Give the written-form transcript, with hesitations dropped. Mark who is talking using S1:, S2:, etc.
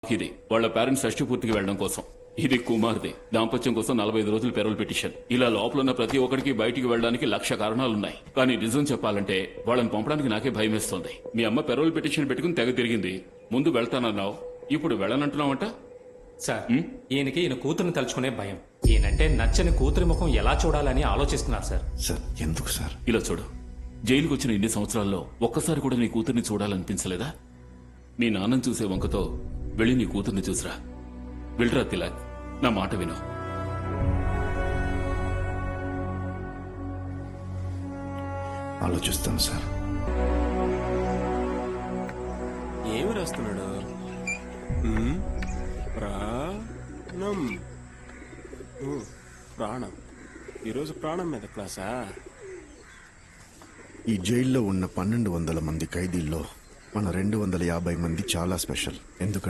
S1: ఇది వాళ్ళ పేరెంట్స్ షష్టి పూర్తికి వెళ్ళడం కోసం. ఇది కుమార్ది దాంపత్యం కోసం 45 రోజులు పెరోల్ పిటిషన్. ఇలా లోపల ఉన్న ప్రతి ఒక్కడికి బయటికి వెళ్ళడానికి 1,00,000 కారణాలున్నాయి. కానీ నిజం చెప్పాలంటే వాళ్ళని పంపడానికి నాకే భయం వేస్తోంది. మీ అమ్మ పెరోల్ పిటిషన్ పెట్టుకుని తెగ తిరిగింది. ముందు వెళ్తానన్నావు, ఇప్పుడు వెళ్ళనంటున్నావంట.
S2: సార్ ఈయనకి ఈయన కూతురుని తలుచుకునే భయం. ఈయనంటే నచ్చని కూతురి ముఖం ఎలా చూడాలని ఆలోచిస్తున్నారు సార్.
S3: సార్ ఎందుకు సార్?
S1: ఇలా చూడు, జైలుకు వచ్చిన ఇన్ని సంవత్సరాల్లో ఒక్కసారి కూడా నీ కూతుర్ని చూడాలనిపించలేదా? మీ నాన్నని చూసే వంకతో వెళ్ళి నీ కూతుర్ని చూసిరా. వెళ్ళరా తిలక్, నా మాట విను.
S3: ఆలోచిస్తాను సార్.
S4: ఏమి రాస్తున్నాడు? ప్రాణం. ప్రాణం. ఈరోజు ప్రాణం మీద క్లాసా?
S3: ఈ జైల్లో ఉన్న 1,200 మంది ఖైదీల్లో మన 250 మంది చాలా స్పెషల్. ఎందుకంటే